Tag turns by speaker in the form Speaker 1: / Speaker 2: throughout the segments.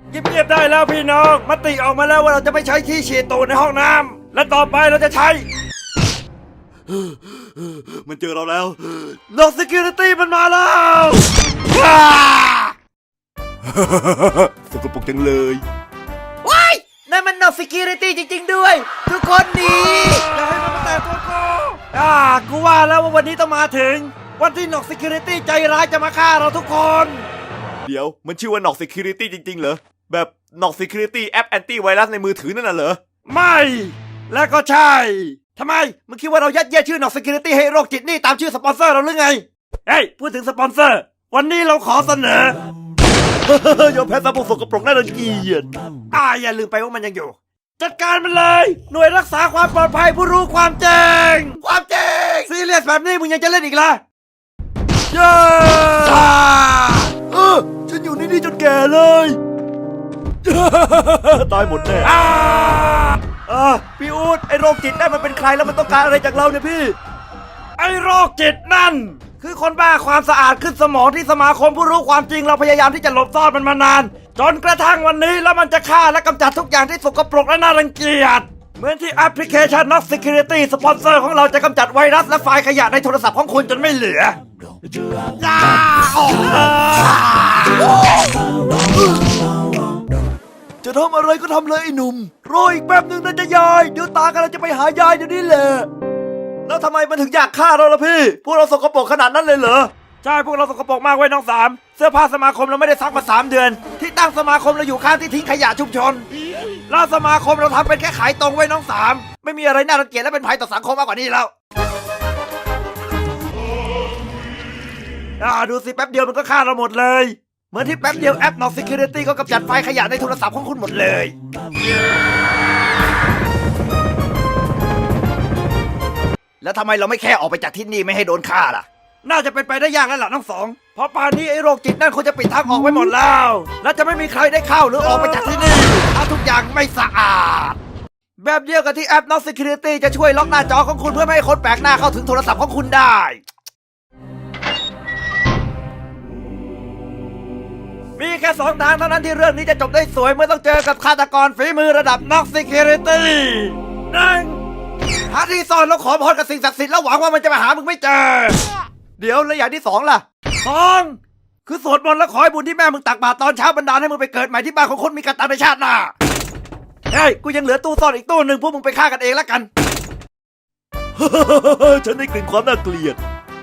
Speaker 1: เงียบๆได้แล้วพี่น้องมติออกมาแล้วว่าเราจะไม่ใช้ที่ฉีดตูดในห้องน้ำและต่อไปเราจะใช้มันเจอเราแล้วน็อก Security มันมาแล้วสกปรกจังเลยว้ายนั่นมันน็อก Security จริงๆด้วยทุกคนหนีอย่าให้มันมาแตะตัวกูว่าแล้วว่าวันนี้ต้องมาถึงวันที่น็อก Security ใจร้ายจะมาฆ่าเราทุกคนเดี๋ยวมันชื่อว่าน็อก Security จริงๆเหรอแบบน็อก Security แอปแอนตี้ไวรัสในมือถือนั่นน่ะเหรอไม่และก็ใช่ทำไมมึงคิดว่าเรายัดเยียดชื่อน็อก Security ให้โรคจิตนี่ตามชื่อสปอนเซอร์เราหรือไงเฮ้ยพูดถึงสปอนเซอร์วันนี้เราขอเสนอยอมแพ้สบู่สกปรกน่ารังเกียจอย่าลืมไปว่ามันยังอยู่จัดการมันเลยหน่วยรักษาความปลอดภัยผู้รู้ความจริงซีเรียสแบบนี้มึงยังจะเล่นอีกล่ะเย้ฉันอยู่นี่จนแก่เลยตายหมดแน่พี่อู๊ดไอโรคจิตนั่นมันเป็นใครแล้วมันต้องการอะไรจากเราเนี่ยพี่ไอโรคจิตนั่นคือคนบ้าความสะอาดขึ้นสมองที่สมาคมผู้รู้ความจริงเราพยายามที่จะหลบซ่อนมันมานานจนกระทั่งวันนี้แล้วมันจะฆ่าและกำจัดทุกอย่างที่สกปรกและน่ารังเกียจเหมือนที่แอปพลิเคชัน Knox Security สปอนเซอร์ของเราจะกำจัดไวรัสและไฟล์ขยะในโทรศัพท์ของคุณจนไม่เหลือจะทำอะไรก็ทำเลยไอ้หนุ่มรออีกแป๊บนึงนะจะยายเดี๋ยวตากำลังจะไปหายายเดี๋ยวนี้แหละแล้วทำไมมันถึงอยากฆ่าเราล่ะพี่พวกเราสกปรกขนาดนั้นเลยเหรอใช่พวกเราสกปรกมากไว้น้องสามเสื้อผ้าสมาคมเราไม่ได้ซักมา3 เดือนที่ตั้งสมาคมเราอยู่ข้างที่ทิ้งขยะชุมชนแล้วสมาคมเราทำเป็นแค่ขายตรงไว้น้องสามไม่มีอะไรน่ารังเกียจและเป็นภัยต่อสังคมมากกว่านี้แล้วดูสิแป๊บเดียวมันก็ฆ่าเราหมดเลยเหมือนที่แป๊บเดียวแอป Knox Security ก็กำจัดไฟล์ขยะในโทรศัพท์ของคุณหมดเลยแล้วทำไมเราไม่แค่ออกไปจากที่นี่ไม่ให้โดนฆ่าล่ะน่าจะเป็นไปได้ยากแล้วล่ะน้องสองเพราะป่านนี้ไอ้โรคจิตนั่นคงจะปิดทางออกไว้หมดแล้วและจะไม่มีใครได้เข้าหรือออกไปจากที่นี่ถ้าทุกอย่างไม่สะอาดแบบเดียวกับที่แอป Knox Security จะช่วยล็อกหน้าจอของคุณเพื่อไม่ให้คนแปลกหน้าเข้าถึงโทรศัพท์ของคุณได้มีแค่2 ทางเท่านั้นที่เรื่องนี้จะจบได้สวยเมื่อต้องเจอกับฆาตกรฝีมือระดับ Knox Security 1. หาที่ซ่อนแล้วขอพรกับสิ่งศักดิ์สิทธิ์แล้วหวังว่ามันจะมาหามึงไม่เจอเดี๋ยวแล้วอย่างที่2ล่ะ 2. คือสวดมนต์แล้วขอให้บุญที่แม่มึงตักบาตรตอนเช้าบันดาลให้มึงไปเกิดใหม่ที่บ้านของคนมีกตัญญูในชาติหน้าเฮ้ยกูยังเหลือตู้ซ่อนอีกตู้หนึ่งพวกมึงไปฆ่ากันเองแล้วกัน ฉันได้กลิ่นความน่าเกลียด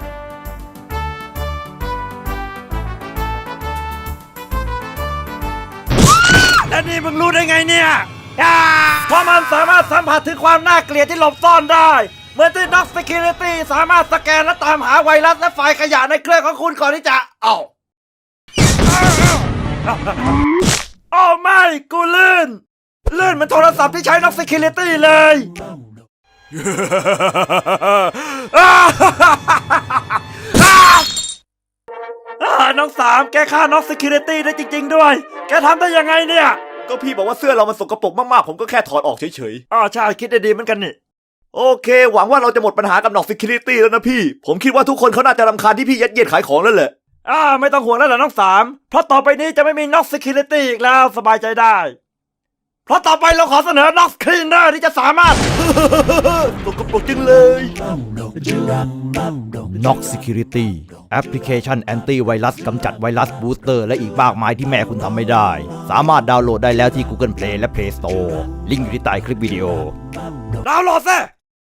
Speaker 1: แล้วนี่มึงรู้ได้ไงเนี่ยเพราะมันสามารถสัมผัสถึงความน่าเกลียดที่หลบซ่อนได้เหมือนที่ Knox Security สามารถสแกนและตามหาไวรัสและไฟล์ขยะในเครื่องของคุณก่อนที่จะโอ้ไม่กูลื่นเหมือนโทรศัพท์ที่ใช้ Knox Security เลยน้องสามแกฆ่า Knox Security ได้จริงๆด้วยแกทำได้ยังไงเนี่ยก็พี่บอกว่าเสื้อเรามันสกปรกมากๆผมก็แค่ถอดออกเฉยๆใช่คิดได้ดีเหมือนกันนี่โอเคหวังว่าเราจะหมดปัญหากับ Knox Security แล้วนะพี่ผมคิดว่าทุกคนเขาน่าจะรำคาญที่พี่ยัดเยียดขายของแล้วแหละไม่ต้องห่วงแล้วล่ะน้องสามเพราะต่อไปนี้จะไม่มี Knox Security อีกแล้วสบายใจได้เพราะต่อไปเราขอเสนอ Knox Cleaner ที่จะสามารถ สกปรกจริงเลย
Speaker 2: Knox Security แอปพลิเคชันแอนตี้ไวรัสกำจัดไวรัสบูสเตอร์และอีกมากมายที่แม่คุณทำไม่ได้สามารถดาวน์โหลดได้แล้วที่ Google Play และ Play Store ลิงก์อยู่ที่ใต้คลิปวิดีโอ
Speaker 1: ดาวน์โหลดซิ